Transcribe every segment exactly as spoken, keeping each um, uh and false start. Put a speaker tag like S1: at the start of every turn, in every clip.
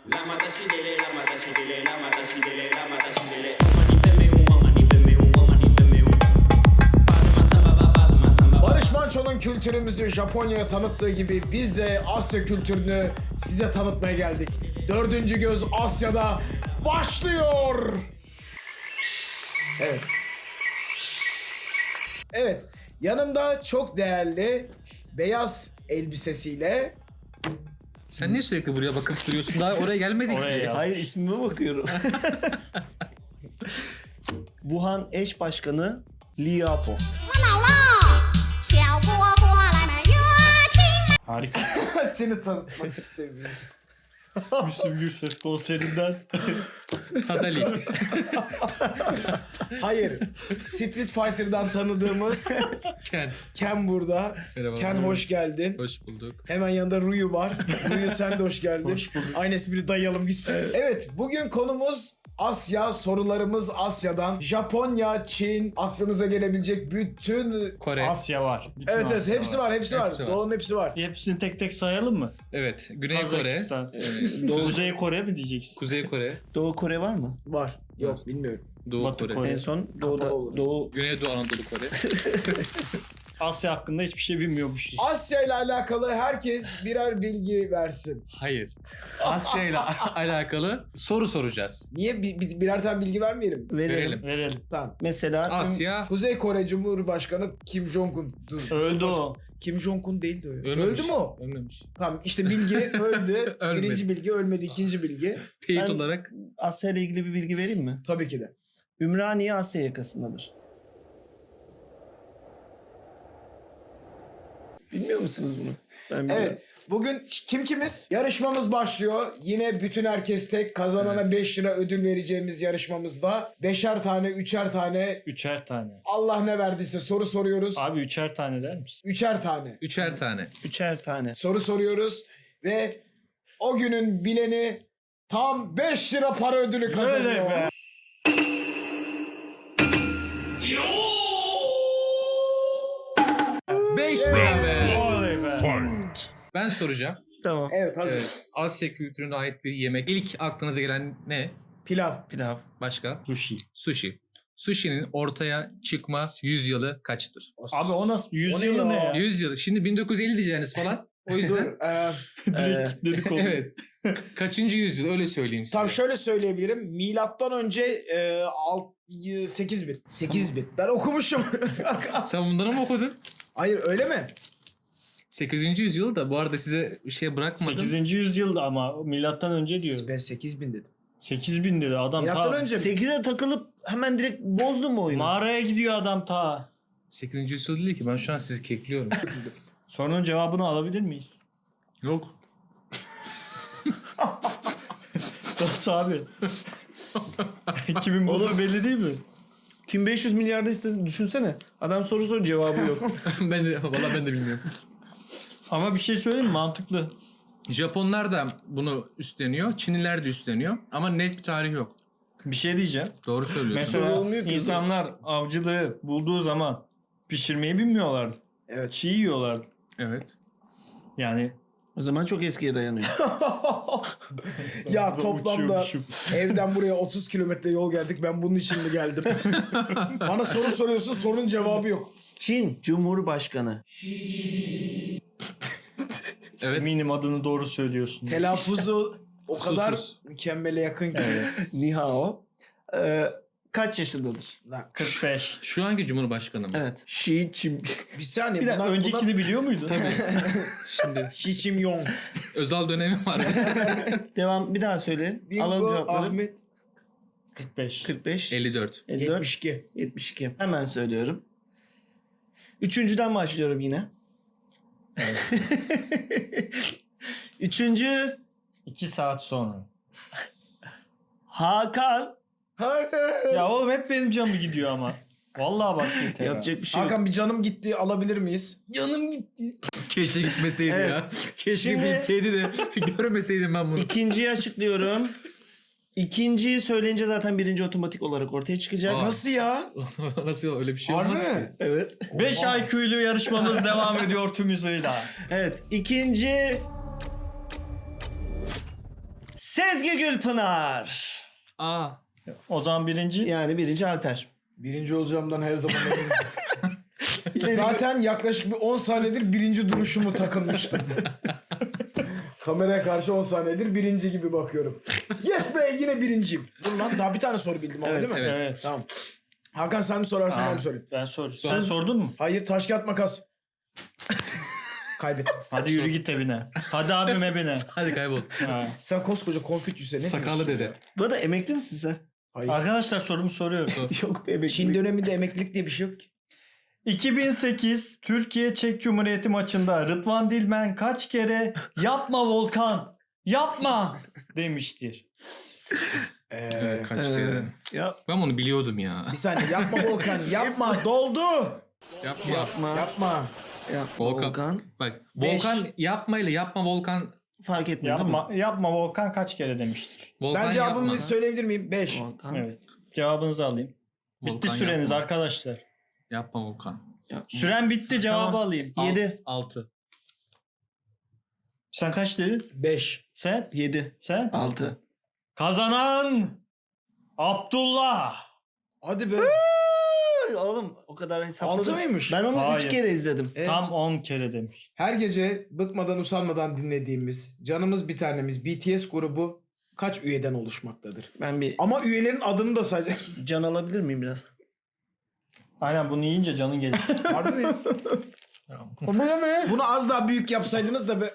S1: Barış Manço'nun kültürümüzü Japonya'ya tanıttığı gibi biz de Asya kültürünü size tanıtmaya geldik. Dördüncü Göz Asya'da başlıyor. Evet. Evet. Yanımda çok değerli beyaz elbisesiyle
S2: Sen niye sürekli buraya bakıp duruyorsun? Daha oraya gelmedik
S3: Oraya
S2: ki.
S3: ya.
S4: Hayır, ismime bakıyorum. Wuhan eş başkanı Li Yapo.
S3: Harika.
S1: seni tanıtmak istemiyorum.
S3: Müslüm Gürses konserinden.
S2: Tadali.
S1: Hayır. Street Fighter'dan tanıdığımız
S2: Ken.
S1: Ken burada.
S2: Merhaba.
S1: Ken hoş geldin.
S2: Hoş bulduk.
S1: Hemen yanında Ruyu var. Ruyu sen de hoş geldin.
S3: Hoş bulduk.
S1: Aynı espri dayayalım gitsin. Evet. Bugün konumuz Asya. Sorularımız Asya'dan. Japonya, Çin, aklınıza gelebilecek bütün...
S2: Kore.
S3: Asya var. Bütün
S1: Evet evet
S3: Asya
S1: hepsi var, hepsi,
S2: Hepsi
S1: var.
S2: var.
S1: Doğu'nun hepsi var.
S3: Hepsini tek tek sayalım mı?
S2: Evet. Güney Kore.
S3: Kazakistan.
S4: Doğu,
S3: Kuzey Kore mi diyeceksin?
S2: Kuzey Kore.
S4: Doğu Kore var mı?
S1: Var. Yok bilmiyorum.
S2: Doğu
S3: Batı
S2: Kore.
S3: Kore.
S4: En son Doğu'da,
S1: Kapalı oluruz.
S4: Doğu...
S2: Güneydoğu Anadolu Kore.
S3: Asya hakkında hiçbir şey bilmiyormuşuz.
S1: Asya ile alakalı herkes birer bilgi versin.
S2: Hayır. Asya ile alakalı soru soracağız.
S1: Niye bir, bir- birer tane bilgi vermeyelim?
S4: Verelim.
S2: Verelim.
S3: Verelim.
S1: Tamam.
S4: Mesela
S2: Asya
S1: Kuzey Kore Cumhurbaşkanı Kim Jong-un. Dur.
S3: Öldü o.
S1: Kim Jong-un değildi o. ya.
S2: ölmemiş.
S1: Öldü mü o?
S2: Ölmemiş.
S1: Tamam işte bilgi öldü.
S2: Ölmedi.
S1: Birinci bilgi ölmedi. İkinci bilgi.
S2: Teyit
S4: Ben-
S2: olarak
S4: Asya ile ilgili bir bilgi vereyim mi?
S1: Tabii ki de.
S4: Ümraniye Asya yakasındadır. Bilmiyor musunuz bunu? Ben biliyorum.
S1: Evet. Bugün kim kimiz? Yarışmamız başlıyor. Yine bütün herkes tek. Kazanana beş lira ödül vereceğimiz yarışmamızda. Beşer tane, üçer tane.
S3: Üçer tane.
S1: Allah ne verdiyse soru soruyoruz.
S3: Abi üçer tane der misin?
S1: Üçer tane.
S2: üçer tane.
S4: Üçer tane.
S1: Soru soruyoruz. Ve o günün bileni tam beş lira para ödülü kazanıyor.
S3: Öyle be.
S2: beş lira be.
S3: Oley be.
S2: Ben soracağım.
S4: Tamam.
S1: Evet hazırız.
S2: Evet. Asya kültürüne ait bir yemek. İlk aklınıza gelen ne?
S1: Pilav.
S4: Pilav.
S2: Başka?
S3: Sushi.
S2: Sushi. Sushi'nin ortaya çıkma yüzyılı kaçtır?
S3: Abi o nasıl?
S1: O
S3: Yüz
S1: ne
S3: yılı
S1: ya?
S3: ne ya?
S2: yüz yıl. Şimdi bin dokuz yüz elli diyeceğiniz falan. O
S1: Dur.
S2: yüzden
S1: E,
S3: Direkt kilitledik onu.
S2: evet. Kaçıncı yüzyıl öyle söyleyeyim size.
S1: tam şöyle söyleyebilirim. Milattan önce e, alt, sekiz bin. sekiz bin. Ben okumuşum.
S2: Sen bunları mı okudun?
S1: Hayır öyle mi?
S2: sekizinci yüzyıl da bu arada size bir şey bırakmadım.
S3: sekizinci yüzyılda ama milattan önce diyor.
S1: Ben sekiz bin dedim.
S3: sekiz bin dedi adam
S1: Milattan
S3: ta.
S1: önce mi?
S4: sekize takılıp hemen direkt bozdun mu oyunu?
S3: Mağaraya gidiyor adam ta.
S2: sekizinci yüzyıl değil ki ben şu an sizi kekliyorum.
S3: Sorunun cevabını alabilir miyiz?
S2: Yok.
S3: Nasıl abi? Kimin bulduğu belli değil mi?
S4: Kim beş yüz milyarda istedi düşünsene. Adam soru sor cevabı yok.
S2: ben de valla ben de bilmiyorum.
S3: Ama bir şey söyleyeyim mi? Mantıklı.
S2: Japonlar da bunu üstleniyor. Çinliler de üstleniyor. Ama net bir tarih yok.
S3: Bir şey diyeceğim.
S2: Doğru söylüyorsun.
S3: Mesela
S1: olmuyor ki.
S3: insanlar avcılığı bulduğu zaman pişirmeyi bilmiyorlardı.
S1: Evet.
S3: Çiğ yiyorlardı.
S2: Evet.
S3: Yani
S4: O zaman çok eskiye dayanıyor.
S1: Ya
S3: Burada
S1: toplamda
S3: uçuyormuşum.
S1: evden buraya otuz kilometre yol geldik. Ben bunun için mi geldim? Bana soru soruyorsun, sorunun cevabı yok.
S4: Çin Cumhurbaşkanı.
S2: Evet.
S3: eminim adını doğru söylüyorsun.
S1: Telaffuzu o kadar
S2: Susuz.
S1: mükemmele yakın ki.
S4: Ni hao. Ee, kaç yaşındadır?
S1: Lan,
S3: kırk beş.
S2: Şu anki cumhurbaşkanı mı?
S4: Evet. Xi Jin.
S1: bir saniye.
S3: Bir dakika
S1: bunlar-
S3: öncekini
S1: bunlar-
S3: biliyor muydun?
S2: Tabii. Şimdi
S1: Xi Jinping.
S2: özel dönemi var.
S4: Devam bir daha söyleyin. Alalım
S1: Bingo
S4: cevapları.
S1: Ahmet.
S3: kırk beş.
S4: kırk beş.
S2: elli dört.
S4: elli dört.
S1: yetmiş iki.
S4: yetmiş iki. Hemen söylüyorum. Üçüncüden başlıyorum yine. Üçüncü
S3: iki saat sonra.
S4: Hakan.
S3: Ya oğlum hep benim canım gidiyor ama. Vallahi bak yeter.
S4: Yapacak bir şey yok.
S1: Hakan bir canım gitti, alabilir miyiz?
S4: Canım gitti.
S2: Keşke gitmeseydi
S4: Evet.
S2: ya. Keşke
S4: Şimdi-
S2: bilseydi de görmeseydim ben bunu.
S4: İkinciyi açıklıyorum. İkinciyi söyleyince zaten birinci otomatik olarak ortaya çıkacak.
S2: Aa.
S1: Nasıl ya?
S2: Nasıl öyle bir şey
S1: Harbi
S2: olmaz ki?
S1: mi?
S4: Evet.
S3: beş I Q'lu yarışmamız devam ediyor tüm hızıyla.
S4: Evet. İkinci Sezgi Gülpınar.
S2: Aa.
S3: O zaman birinci.
S4: Yani birinci Alper.
S1: Birinci olacağımdan her zaman eminim. Zaten yaklaşık bir on saniyedir birinci duruşumu takılmıştım. Kameraya karşı on saniyedir birinci gibi bakıyorum. Yes be, yine birinciyim. Dur lan, daha bir tane soru bildim ama
S4: Evet,
S1: değil mi?
S2: evet.
S3: Evet.
S1: Tamam. Hakan sen mi sorarsın
S3: Aa,
S1: ben mi sorayım?
S3: Ben sordum.
S2: Sor.
S3: Sen sordun mu?
S1: Hayır, taş kağıt makas. Kaybettim.
S3: Hadi yürü git evine. Hadi abim evine.
S2: Hadi kaybol.
S3: Ha.
S1: Sen koskoca konfüçyüse ne
S2: Sakallı
S1: diyorsun
S2: dede.
S1: ya?
S4: Bu arada emekli misin sen?
S1: Hayır.
S3: Arkadaşlar sorumu soruyorum.
S4: Yok be emekli.
S1: Çin döneminde emeklilik diye bir şey yok ki.
S3: iki bin sekiz Türkiye-Çek Cumhuriyeti maçında Rıdvan Dilmen kaç kere yapma Volkan yapma demiştir.
S1: Ee,
S2: Kaç
S4: Ee,
S2: kere.
S4: ya,
S2: Ben bunu biliyordum ya.
S1: bir saniye, yapma Volkan, yapma, doldu.
S2: Yapma.
S4: yapma.
S1: Yapma.
S4: Yapma.
S2: Volkan.
S4: Volkan.
S2: Bak
S1: Beş.
S2: Volkan yapma ile yapma Volkan.
S4: Fark etmiyor.
S3: Yapma,
S4: Tamam.
S3: yapma Volkan kaç kere demiştir.
S2: Volkan
S1: Ben cevabımı
S2: yapma.
S1: söyleyebilir miyim? beş.
S4: Volkan.
S3: Evet. Cevabınızı alayım. Bitti
S2: Volkan
S3: süreniz
S2: yapma.
S3: arkadaşlar.
S2: Yapma Volkan.
S4: Yapma.
S3: Süren bitti, cevabı
S4: Tamam.
S3: alayım.
S2: Al-
S4: Yedi.
S2: Altı.
S3: Sen kaç dedin?
S1: beş.
S3: Sen?
S4: Yedi.
S3: Sen?
S4: Altı.
S3: Kazanan Abdullah.
S1: Hadi be.
S4: Oğlum o kadar hesapladım.
S1: Altı mıymış?
S4: Ben onu
S3: Hayır.
S4: üç kere izledim.
S1: E,
S3: Tam on kere demiş.
S1: Her gece bıkmadan usanmadan dinlediğimiz canımız bir tanemiz B T S grubu kaç üyeden oluşmaktadır?
S4: Ben bir
S1: Ama üyelerin adını da sadece...
S4: can alabilir miyim biraz?
S3: Aynen bunu yiyince canın gelir.
S1: Harbi mi?
S3: Bu ne be?
S1: Bunu az daha büyük yapsaydınız da be...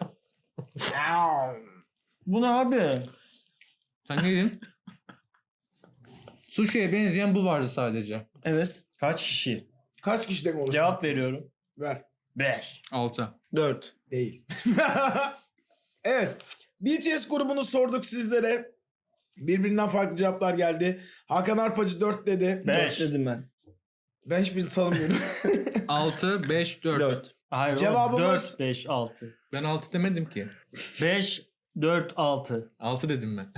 S3: Bu ne abi?
S2: Sen ne dedin? Sushi'ye benzeyen bu vardı sadece.
S4: Evet.
S3: Kaç kişi?
S1: Kaç kişiden oluşmak?
S3: Cevap veriyorum.
S1: Ver.
S3: beş.
S2: Altı.
S4: Dört.
S1: Değil. Evet. B T S grubunu sorduk sizlere. Birbirinden farklı cevaplar geldi. Hakan Arpacı dört dedi.
S3: beş.
S4: Dört dedim ben.
S1: Ben hiçbirini tanımıyorum.
S2: Altı, beş, dört.
S4: Dört.
S3: Hayır
S1: Cevabımız-
S3: dört, beş, altı.
S2: Ben altı demedim ki.
S3: beş, dört, altı.
S2: Altı dedim ben.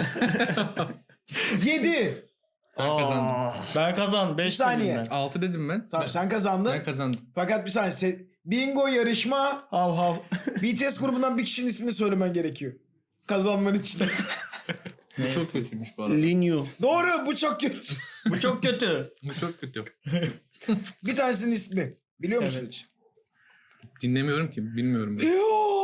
S1: yedi.
S2: Ben kazandım.
S3: Ah, Ben kazandım. beş
S1: Bir saniye.
S3: dedim ben.
S2: Altı dedim ben.
S1: Tamam
S2: ben,
S1: sen kazandın.
S2: ben kazandım.
S1: Fakat bir saniye. se- Bingo yarışma.
S4: Hav hav.
S1: B T S grubundan bir kişinin ismini söylemen gerekiyor. Kazanman için.
S2: Bu çok kötüymüş bu arada.
S4: Linyu.
S1: Doğru, bu çok kötü.
S3: Bu çok kötü.
S2: Bu çok kötü.
S1: Bir tanesinin ismi. Biliyor musun
S3: Evet.
S1: hiç?
S2: Dinlemiyorum ki. Bilmiyorum. Ben.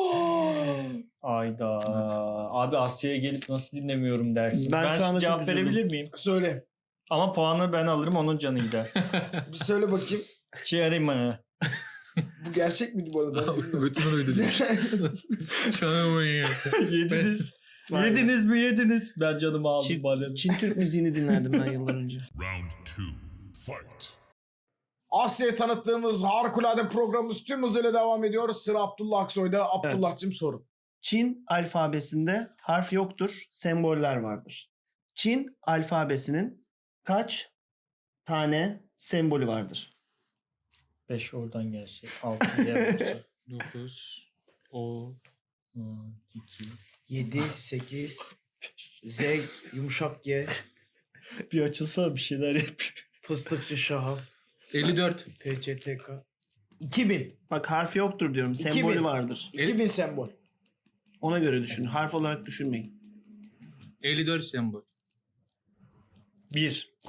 S3: Ayda. Abi Asya'ya gelip nasıl dinlemiyorum dersin.
S4: Ben
S3: Ben,
S4: şu anda
S3: cevap
S4: çok üzüldüm.
S3: verebilir miyim?
S1: Söyle.
S3: Ama puanı ben alırım, onun canı gider.
S1: Bir söyle bakayım.
S3: Çiğerim.
S1: Bu gerçek miydi bu arada? Ben bilmiyorum.
S2: Götümün uydu demiş. Canım ya.
S3: Yediniz.
S4: Vay be.
S3: Yediniz mi yediniz? Ben canımı aldım.
S4: Çin,
S3: bana.
S4: Çin Türk müziğini dinlerdim ben yıllar önce.
S5: Round two, fight.
S1: Asya'ya tanıttığımız harikulade programımız tüm hızıyla devam ediyor. Sıra Abdullah Aksoy'da. Abdullah'cığım sorun.
S4: Çin alfabesinde harf yoktur, semboller vardır. Çin alfabesinin kaç tane sembolü vardır?
S3: beş oradan gelecek. altı diğer olsa.
S2: Dokuz. O. iki.
S1: yedi, sekiz, Z, yumuşak G,
S3: Bir açılsa bir şeyler yapıyor.
S1: fıstıkçı Şahap,
S2: elli dört.
S1: P C T K. iki bin.
S4: Bak harf yoktur diyorum,
S1: İki
S4: sembolü
S1: bin.
S4: vardır.
S1: iki bin sembol.
S4: Ona göre düşün, harf olarak düşünmeyin.
S2: elli dört sembol.
S3: Bir.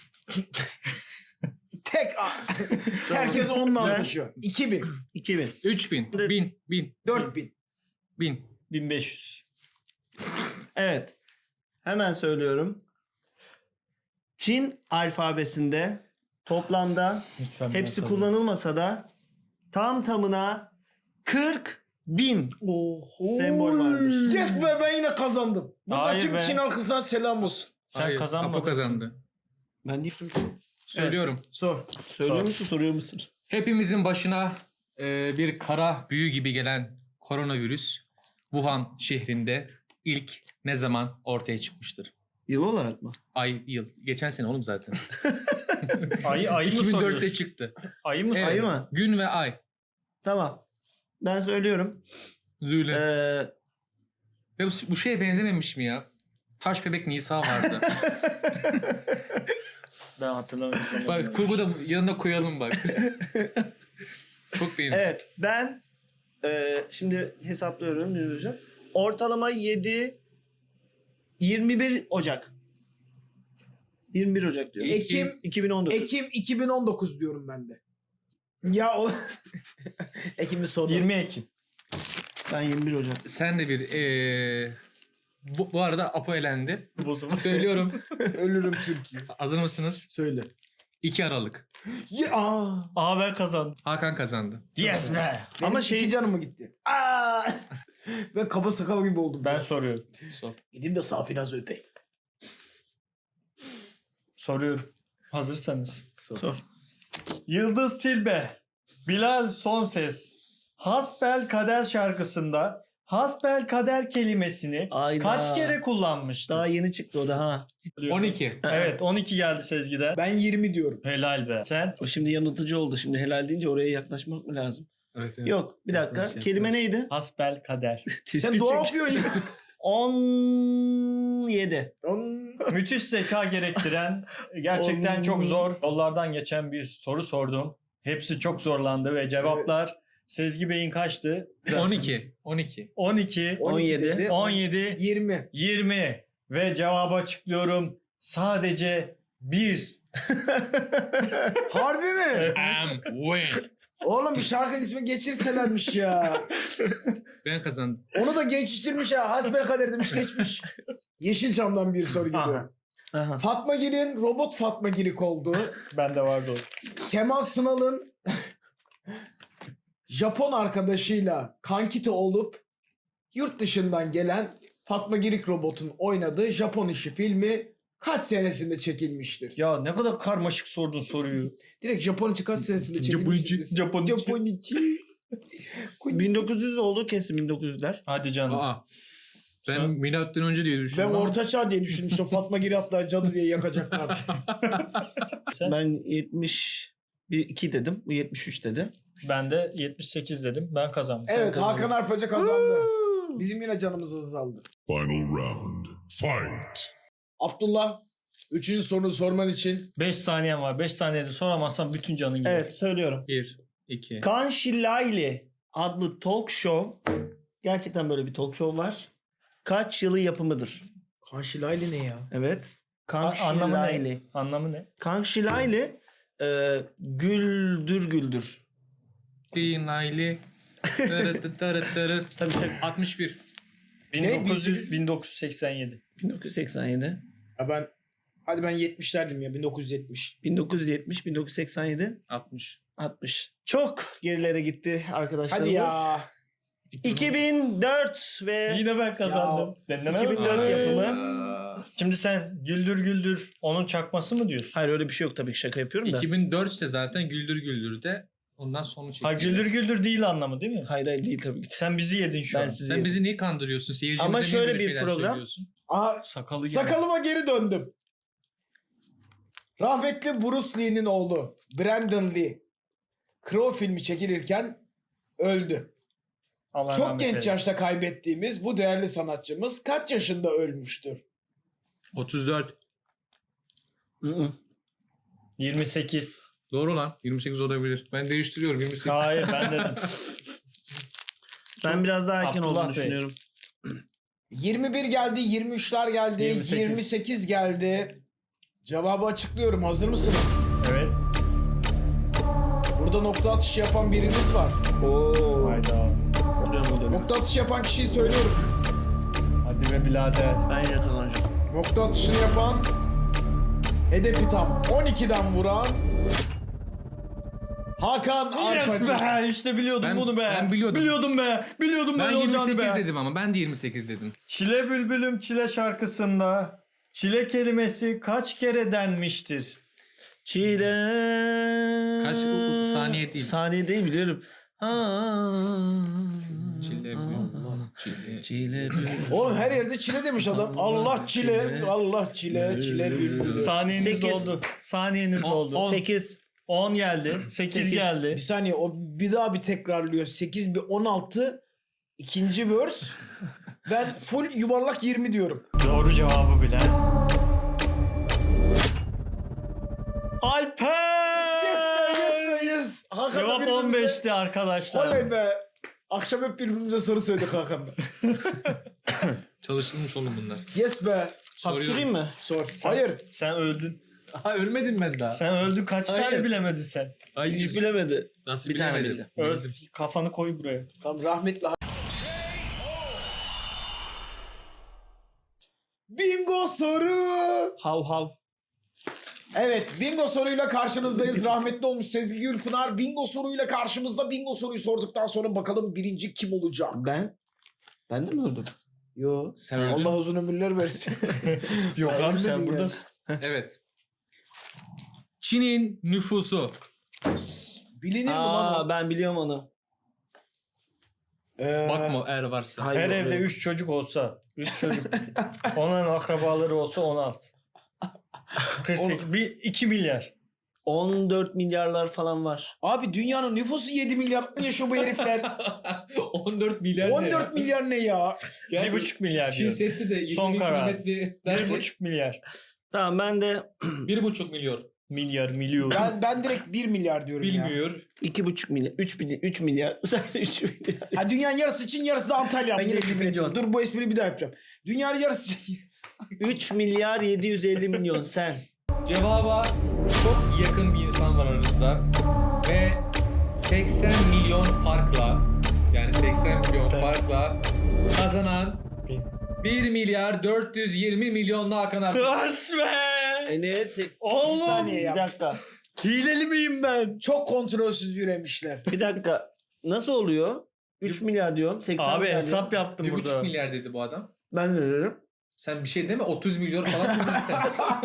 S1: Tek A. Herkes onunla
S4: Güzel.
S1: anlaşıyor. iki bin.
S4: iki bin.
S2: Üç bin.
S4: De-
S2: Bin. Bin.
S1: dört bin.
S2: Bin.
S3: bin beş yüz.
S4: Evet. Hemen söylüyorum. Çin alfabesinde toplamda
S3: Lütfen
S4: hepsi
S3: ben
S4: kullanılmasa da tam tamına kırk bin
S1: Oho.
S4: sembol vardır.
S1: Yes be, ben yine kazandım. Burada
S3: Hayır
S1: tüm
S3: be.
S1: Çin halkından selam olsun.
S3: Sen
S2: Hayır,
S3: kazanmadın.
S2: Apo kazandı.
S4: Ben değiştim.
S2: Söylüyorum.
S1: Sor.
S4: Söylüyor musun, soruyor musun?
S2: Hepimizin başına e, bir kara büyü gibi gelen koronavirüs Wuhan şehrinde ilk ne zaman ortaya çıkmıştır?
S4: Yıl olarak mı?
S2: Ay, yıl. Geçen sene oğlum zaten.
S3: Ayı, ayı mı
S2: iki bin dörtte
S3: soruyorsun?
S2: çıktı.
S3: Ayı mı
S2: Evet.
S4: Ayı mı?
S2: Gün ve ay.
S4: Tamam. Ben söylüyorum.
S2: Züyle.
S4: Ee,
S2: Ve bu, bu şeye benzememiş mi ya? Taş bebek Nisa vardı.
S3: Ben hatırlamıyorum.
S2: Bak kurguda yanına koyalım bak. Çok benziyor.
S4: evet ben e, şimdi hesaplıyorum. Ne hocam? Ortalama yedi yirmi bir Ocak. yirmi bir Ocak diyor.
S1: Ekim
S4: iki bin on dokuz.
S1: Ekim iki bin on dokuz diyorum ben de. Ya o Ekim'in sonu.
S3: yirmi Ekim.
S4: Ben yirmi bir Ocak.
S2: Sen de bir eee bu, bu arada Apo elendi. Söylüyorum.
S1: Ölürüm Türkiye.
S2: Hazır mısınız?
S1: Söyle.
S2: iki Aralık.
S1: Ya, aa.
S3: Aa ben kazandım.
S2: Hakan kazandı.
S3: Yes be.
S1: Benim
S4: Ama şey-
S1: iki canım mı gitti? Aa! Ben kaba sakal gibi oldum.
S3: Ben soruyorum.
S2: Sor.
S1: Gideyim de Safinaz öpeyim.
S3: Soruyorum. Hazırsanız.
S4: Sor.
S3: Yıldız Tilbe, Bilal Sonses, Hasbel Kader şarkısında Hasbel Kader kelimesini
S4: Ayda.
S3: kaç kere kullanmıştı?
S4: Daha yeni çıktı o da ha.
S2: on iki.
S3: Evet on iki geldi Sezgi'den.
S1: Ben yirmi diyorum.
S3: Helal be. Sen?
S4: O şimdi yanıltıcı oldu. Şimdi helal deyince oraya yaklaşmak mı lazım?
S2: Evet, evet.
S4: Yok bir dakika.
S2: Yaklaş,
S4: Kelime
S2: yaklaş.
S4: neydi?
S3: Hasbel Kader.
S1: Sen dua okuyorsun ya.
S4: on yedi.
S3: Müthiş zeka gerektiren, gerçekten çok zor yollardan geçen bir soru sordum. Hepsi çok zorlandı ve cevaplar Sezgi Bey'in kaçtı?
S2: on iki. on iki.
S3: on iki,
S4: on yedi.
S1: dedi.
S3: on yedi,
S1: yirmi.
S3: yirmi ve cevabı açıklıyorum. Sadece bir.
S1: Harbi mi?
S2: Am win.
S1: Oğlum bir şarkı ismi geçirselermiş ya.
S2: Ben kazandım.
S1: Onu da geçiştirmiş ha. Hasbelkader demiş geçmiş. Yeşilçam'dan bir soru geliyor.
S3: Aha.
S4: Aha.
S1: Fatma Girik robot Fatma Girik oldu.
S3: Bende vardı o.
S1: Kemal Sunal'ın Japon arkadaşıyla kankite olup yurt dışından gelen Fatma Girik robotun oynadığı Japon işi filmi kaç senesinde çekilmiştir?
S3: Ya ne kadar karmaşık sordun soruyu.
S1: Direkt Japon içi kaç senesinde çekilmiştir?
S3: Japon
S1: Japon içi.
S4: bin dokuz yüz oldu kesin bin dokuz yüzler.
S3: Hadi canım.
S2: Aa. Ben
S3: Sen-
S2: milattan önce diye
S1: Ben
S2: düşündüm. ama-
S1: ortaçağ diye düşünmüştüm. Fatma Girik hatta cadı diye yakacaklar.
S3: Sen?
S4: Ben yetmiş iki dedim. Bu yetmiş üç dedi.
S3: Ben de yetmiş sekiz dedim. Ben kazandım. Sen
S1: Evet
S3: kazandın.
S1: Hakan Arpacı kazandı. Bizim yine canımız azaldı.
S5: Final round. Fight.
S1: Abdullah üçüncü sorunu sorman için
S3: beş saniyen var. beş saniyede soramazsan bütün canın gider.
S4: Evet söylüyorum.
S2: bir, iki.
S4: Kanşilayli adlı talk show. Gerçekten böyle bir talk show var. Kaç yılı yapımıdır?
S1: Kanşilaylı ne ya?
S4: Evet.
S3: A- anlamı
S4: Kanşilayli.
S3: ne? Anlamı ne?
S4: Kanşilayli e, güldür güldür.
S2: Dinayli. Tırı tırı tırı.
S4: Tabii tabii.
S2: altmış bir.
S3: bin dokuz yüz,
S1: bin sekiz yüz?
S3: bin dokuz yüz seksen yedi.
S4: bin dokuz yüz seksen yedi.
S1: Ya ben hadi ben yetmiş derdim ya bin dokuz yüz yetmiş.
S4: bin dokuz yüz yetmiş, bin dokuz yüz seksen yedi,
S2: altmış.
S4: altmış. Çok gerilere gitti arkadaşlarımız.
S1: Hadi ya.
S4: iki bin dört ve
S3: Yine ben kazandım. Deneme
S4: iki bin
S3: mi?
S4: dört yapımı.
S2: Aa.
S3: Şimdi sen güldür güldür onun çakması mı diyorsun?
S4: Hayır öyle bir şey yok tabii ki şaka yapıyorum da.
S2: iki bin dört ise zaten Güldür Güldür de ondan sonra
S3: Ha
S2: çekmişler.
S3: güldür güldür değil anlamı değil mi?
S4: Hayır hayır değil tabii ki.
S3: Sen bizi yedin şu
S4: Ben
S3: an.
S4: sizi
S2: Sen bizi niye kandırıyorsun? Seyircimize
S4: Ama
S2: niye
S4: şöyle
S2: böyle
S4: bir
S2: şeyler
S4: program-
S2: söylüyorsun?
S1: Aha
S3: Sakalı gibi.
S1: sakalıma geri döndüm. Rahmetli Bruce Lee'nin oğlu Brandon Lee Crow filmi çekilirken öldü.
S3: Allah
S1: Çok
S3: rahmet
S1: genç
S3: eylesin.
S1: yaşta kaybettiğimiz bu değerli sanatçımız kaç yaşında ölmüştür?
S2: otuz dört.
S4: Hı-hı.
S3: yirmi sekiz.
S2: Doğru lan. yirmi sekiz olabilir. Ben değiştiriyorum. yirmi sekiz.
S3: Hayır ben dedim.
S4: Ben biraz daha erken
S3: Abdullah
S4: olduğunu
S3: Bey.
S4: düşünüyorum.
S1: yirmi bir geldi, yirmi üçler geldi,
S3: yirmi sekiz.
S1: yirmi sekiz geldi. Cevabı açıklıyorum. Hazır mısınız?
S3: Evet.
S1: Burada nokta atışı yapan biriniz var.
S4: Oo.
S3: Hayda.
S4: Dönüyorum, dönüyorum.
S1: Nokta atışı yapan kişiyi söylüyorum.
S3: Hadi be birader.
S4: Ben yine kazanacağım.
S1: Nokta atışını yapan, hedefi tam on ikiden vuran Hakan Arpacı.
S3: Yes be işte biliyordum
S2: Ben-
S3: bunu be.
S2: ben biliyordum.
S3: Biliyordum be. Biliyordum
S2: Ben
S3: böyle olacağını
S2: yirmi sekiz
S3: be.
S2: dedim ama ben de yirmi sekiz dedim.
S3: Çile Bülbülüm Çile şarkısında çile kelimesi kaç kere denmiştir?
S4: Çile.
S2: Kaç u- u- saniye değil.
S4: Saniye değil biliyorum.
S2: Çile bülbül, çile.
S4: Çile bülbül.
S1: Oğlum her yerde çile demiş adam. Allah çile, Allah çile, çile bülbül.
S3: Saniyeniz
S4: Sekiz.
S3: doldu. Saniyeniz
S2: On-
S3: doldu.
S2: on.
S4: sekiz.
S3: on geldi. sekiz
S4: Sekiz.
S3: geldi.
S1: Bir saniye o bir daha bir tekrarlıyor. sekiz bir on altı ikinci verse. Ben full yuvarlak yirmi diyorum.
S3: Doğru cevabı bilen. Alper!
S1: Yes be, yes be, yes. Hakan'la
S3: Cevap
S1: birbirimize-
S3: on beşti arkadaşlar.
S1: Oley be. Akşam hep birbirimize soru söyledik Hakan'la.
S2: Çalışılmış oğlum bunlar.
S1: Yes be.
S4: Hapşırayım mı?
S1: Sor. Hayır.
S3: Sen öldün.
S2: Ha ölmedim ben daha.
S3: Sen öldün. Kaç
S2: Hayır.
S3: tane bilemedin sen?
S2: Hayır.
S4: Hiç bilemedi.
S2: Nasıl
S4: Bir tane
S2: bilemedim?
S4: bildi.
S3: Öldün. Kafanı koy buraya.
S1: Tamam rahmetli. Bingo soru.
S4: Hav hav.
S1: Evet, bingo soruyla karşınızdayız. Rahmetli olmuş Sezgi Gülpınar bingo soruyla karşımızda. Bingo soruyu sorduktan sonra bakalım birinci kim olacak?
S4: Ben? Ben de mi öldüm?
S1: Yo,
S2: Sen öldün.
S1: Allah uzun ömürler versin.
S3: Yok
S1: Hayır
S3: abi sen
S1: dedin
S3: buradasın.
S2: Evet. Çin'in nüfusu.
S1: Bilinir mi lan
S4: Aa
S1: o?
S4: ben biliyorum onu.
S1: Ee,
S2: Bakma eğer varsa.
S4: Hayır,
S3: Her
S4: yok,
S3: evde
S4: yok.
S3: üç çocuk olsa, üç çocuk. Onun akrabaları olsa on altı. kırk sekiz, bir, iki milyar.
S4: on dört milyarlar falan var.
S1: Abi dünyanın nüfusu yedi milyar mı yaşıyor bu herifler?
S2: on dört milyar ne
S1: on
S2: ya?
S1: dört milyar ne ya?
S2: Yani
S3: Bir buçuk milyar
S2: Çin
S3: diyor.
S2: Seddi de
S3: Son
S2: yirmi
S3: karar.
S2: kilometre
S3: Bir
S2: dersek
S3: buçuk milyar.
S4: Tamam ben de
S2: bir buçuk milyon.
S3: Milyar, milyon.
S1: Ben, ben direkt bir milyar diyorum ya.
S2: Bilmiyor.
S4: iki buçuk milyar. üç milyar. üç milyar. Sen üç milyar.
S1: Ha, dünyanın yarısı Çin, yarısı da Antalya. Ben yine
S4: yedi
S1: küfür ettim.
S4: milyon.
S1: Dur bu espriyi bir daha yapacağım. Dünyanın yarısı Çin.
S4: üç milyar yedi yüz elli milyon sen.
S2: Cevaba çok yakın bir insan var aranızda. Ve seksen milyon farkla yani seksen milyon farkla kazanan bir milyar dört yüz yirmi milyonlu Hakan Arp.
S3: Resmen.
S4: Enes.
S3: Oğlum.
S1: Bir saniye
S4: Bir
S1: ya.
S4: dakika.
S3: Hileli miyim ben?
S1: Çok kontrolsüz yürüyemişler.
S4: Bir dakika. Nasıl oluyor? üç milyar diyorum. seksen
S3: Abi
S4: milyar
S3: hesap
S4: diyorum.
S3: yaptım
S2: Bir
S3: burada.
S2: buçuk milyar dedi bu adam.
S4: Ben ne dedim?
S2: Sen bir şey deme otuz milyon falan dedin sen.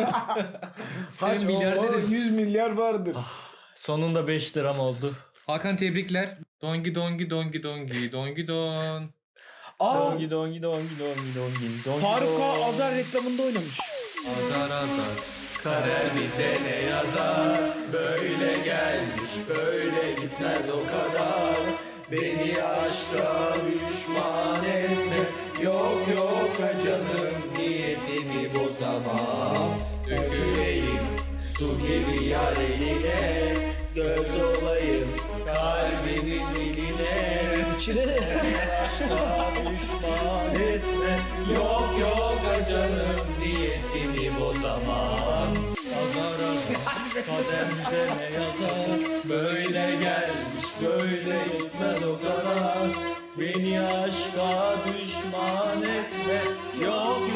S2: Sen
S1: Kaç
S2: milyar
S1: o- o
S2: dedin.
S1: yüz milyar vardır.
S3: Sonunda beş liram oldu.
S2: Hakan tebrikler. Dongi dongi dongi dongi dongi don.
S1: Aa,
S3: Dongi dongi dongi dongi dongi dongi.
S1: Faruk Ağa
S3: don.
S1: Azar reklamında oynamış.
S2: Azar azar. Kader bize ne yazar? Böyle gelmiş böyle gitmez o kadar. Beni aşka düşman etme. Yok yok canım niyetimi bozamam. Döküleyim su gibi yar eline. Göz olayım kalbinin diline.
S4: İçine.
S2: Aşka düşman etme. Yok yok canım niyetimi bozamam. Azar azar kader bize ne yazar? Böyle gelmiş böyle gitmez o kadar. Beni aşka düşman etme. Yok